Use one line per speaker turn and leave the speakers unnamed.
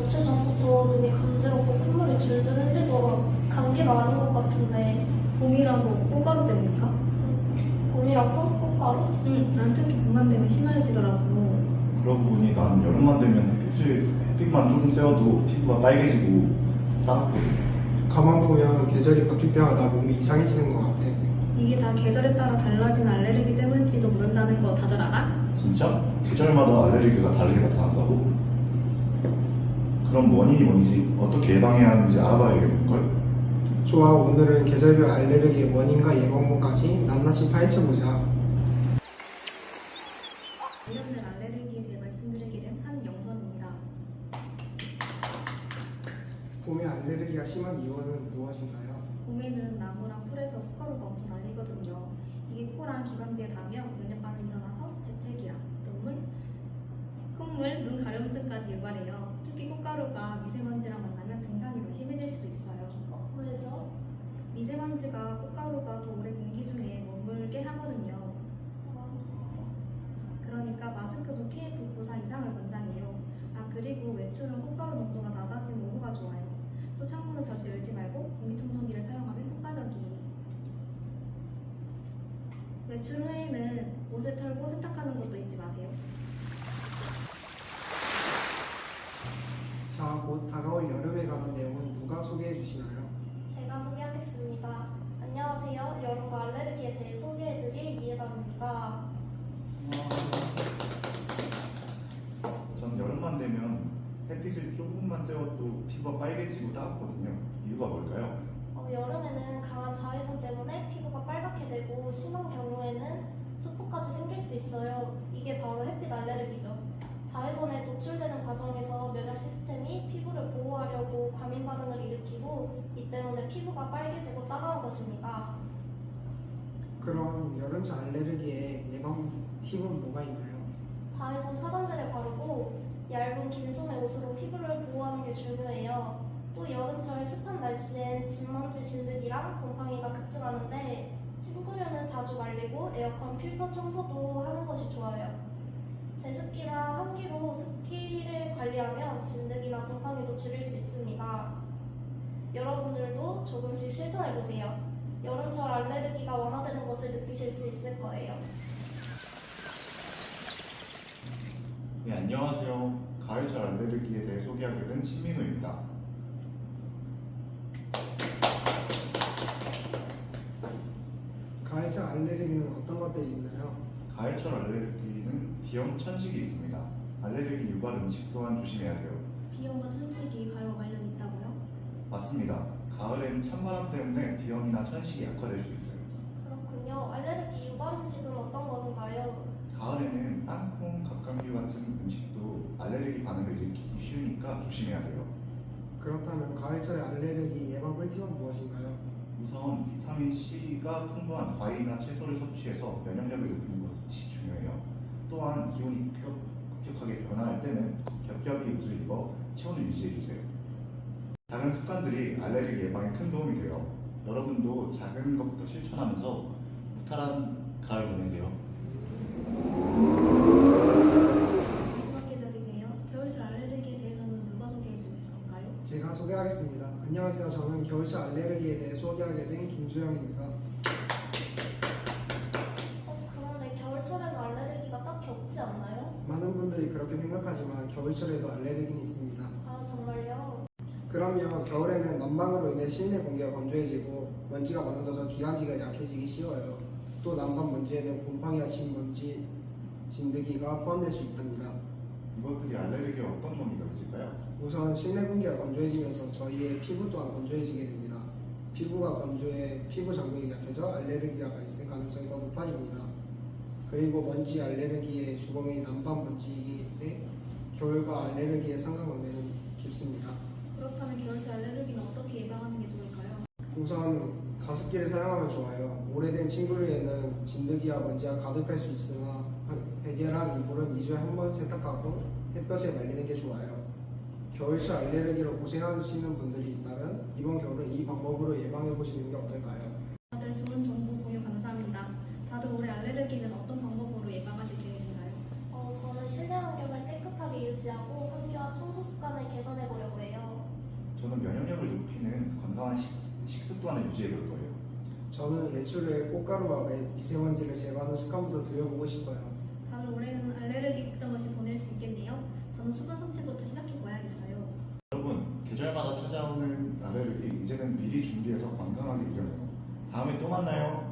며칠 전부터 눈이 간지럽고 콧물이 줄줄 흘리더라. 감기는 아닌 것 같은데.
봄이라서 꽃가루 때문일까?
봄이라서 꽃가루?
응, 난 특히 봄만 되면 심해지더라고.
그러고 보니 나는 여름만 되면 햇빛만 조금 쐬어도 피부가 빨개지고 따갑거든.
가만 보면 계절이 바뀔 때마다 몸이 이상해지는 것 같아.
이게 다 계절에 따라 달라진 알레르기 때문일지도 모른다는 거 다들 알아?
진짜? 계절마다 알레르기가 다르게 나타난다고? 그럼 원인이 뭔지 어떻게 예방해야 하는지 알아봐야겠는걸?
좋아, 오늘은 계절별 알레르기의 원인과 예방법까지 낱낱이 파헤쳐보자.
관련된 알레르기에 대해 말씀드리게 된 한영선입니다.
봄에 알레르기가 심한 이유는 무엇인가요?
봄에는 나무랑 풀에서 콧가루가 엄청 날리거든요. 이게 코랑 기관지에 닿으며 면역 반응이 일어나서 재채기랑 눈물, 콧물, 눈 가려움증까지 유발해요. 특히 콧가루가 미세먼지랑 만나면 증상이 더 심해질 수도 있어요.
왜죠?
미세먼지가 콧가루가 더 오래 공기 중에 머물게 하거든요. 그러니까 마스크도 KF94 이상을 권장해요. 아, 그리고 외출은 콧가루 농도가 낮아진 오후가 좋아요. 또 창문을 자주 열지 말고 공기청정기를 사용하면 효과적이에요. 외출 후에는 옷을 털고 세탁하는 것도 잊지 마세요.
자, 곧 다가올 여름에 관한 내용은 누가 소개해 주시나요?
제가 소개하겠습니다. 안녕하세요. 여름과 알레르기에 대해 소개해드릴 이해담입니다.
전 여름만 되면 햇빛을 조금만 쐬어도 피부가 빨개지고 따갑거든요. 이유가 뭘까요?
여름에는 강한 자외선 때문에 피부가 빨갛게 되고 심한 경우에는 수포까지 생길 수 있어요. 이게 바로 햇빛 알레르기죠. 자외선에 노출되는 과정에서 면역 시스템이 피부를 보호하려고 과민 반응을 일으키고 이 때문에 피부가 빨개지고 따가운 것입니다.
그럼 여름철 알레르기의 예방 팁은 뭐가 있나요?
자외선 차단제를 바르고 얇은 긴 소매 옷으로 피부를 보호하는 게 중요해요. 또 여름철 습한 날씨엔 진먼지, 진드기랑 곰팡이가 급증하는데 침구류는 자주 말리고 에어컨 필터 청소도 하는 것이 좋아요. 제습기나 환기로 습기를 관리하면 진드기나 곰팡이도 줄일 수 있습니다. 여러분들도 조금씩 실천해보세요. 여름철 알레르기가 완화되는 것을 느끼실 수 있을 거예요.
네, 안녕하세요. 가을철 알레르기에 대해 소개하게 된 신민우입니다.
가을철 알레르기는 어떤 것들이 있나요?
가을철 알레르기는 비염, 천식이 있습니다. 알레르기 유발 음식 또한 조심해야 돼요.
비염과 천식이 가을과 관련이 있다고요?
맞습니다. 가을엔 찬바람 때문에 비염이나 천식이 약화될 수 있어요.
그렇군요. 알레르기 유발 음식은 어떤 건가요?
가을에는 땅콩, 갑각류 같은 음식도 알레르기 반응을 일으키기 쉬우니까 조심해야 돼요.
그렇다면 가을철 알레르기 예방 꿀팁은 무엇인가요?
우선 비타민 C가 풍부한 과일이나 채소를 섭취해서 면역력을 높이는 것이 중요해요. 또한 기온이 급격하게 변화할 때는 겹겹이 옷을 입어 체온을 유지해주세요. 작은 습관들이 알레르기 예방에 큰 도움이 돼요. 여러분도 작은 것부터 실천하면서 무탈한 가을 보내세요.
마지막 계절이네요. 겨울철 알레르기에 대해서는 누가 소개해 주실 건가요?
제가 소개하겠습니다. 안녕하세요. 저는 겨울철 알레르기에 대해 소개하게 된 김주영입니다.
그런데 겨울철에는 알레르기가 딱히 없지 않나요?
많은 분들이 그렇게 생각하지만 겨울철에도 알레르기는 있습니다.
아, 정말요?
그럼요. 겨울에는 난방으로 인해 실내 공기가 건조해지고 먼지가 많아져서 기관지가 약해지기 쉬워요. 또 난방 먼지에는 곰팡이와 진먼지, 진드기가 포함될 수 있답니다.
이것들이 알레르기에 어떤 의미가 있을까요?
우선 실내 공기가 건조해지면서 저희의 피부 또한 건조해지게 됩니다. 피부가 건조해 피부 장벽이 약해져 알레르기가 발생 가능성이 더 높아집니다. 그리고 먼지 알레르기의 주범이 난방 먼지이기에 겨울과 알레르기의 상관관계는 깊습니다.
그렇다면 겨울철 알레르기는 어떻게 예방하는 게 좋을까요?
우선 가습기를 사용하면 좋아요. 오래된 침구류에는 진드기와 먼지가 가득할 수 있으나 백열한 이불은 2주에 한 번 세탁하고 햇볕에 말리는 게 좋아요. 겨울철 알레르기로 고생하시는 분들이 있다면 이번 겨울은 이 방법으로 예방해 보시는 게 어떨까요?
다들 좋은 정보 공유 감사합니다. 다들 올해 알레르기는 어떤 방법으로 예방하실 계획인가요?
저는 실내 환경을 깨끗하게 유지하고 환기와 청소 습관을 개선해 보려고
저는 면역력을 높이는 건강한 식습관을 유지해 볼 거예요.
저는 외출에 꽃가루와 미세먼지를 제거하는 습관부터 들여보고 싶어요.
다들 올해는 알레르기 걱정 없이 보낼 수 있겠네요. 저는 수분 섭취부터 시작해 봐야겠어요.
여러분, 계절마다 찾아오는 알레르기 이제는 미리 준비해서 건강하게 이겨내요. 다음에 또 만나요.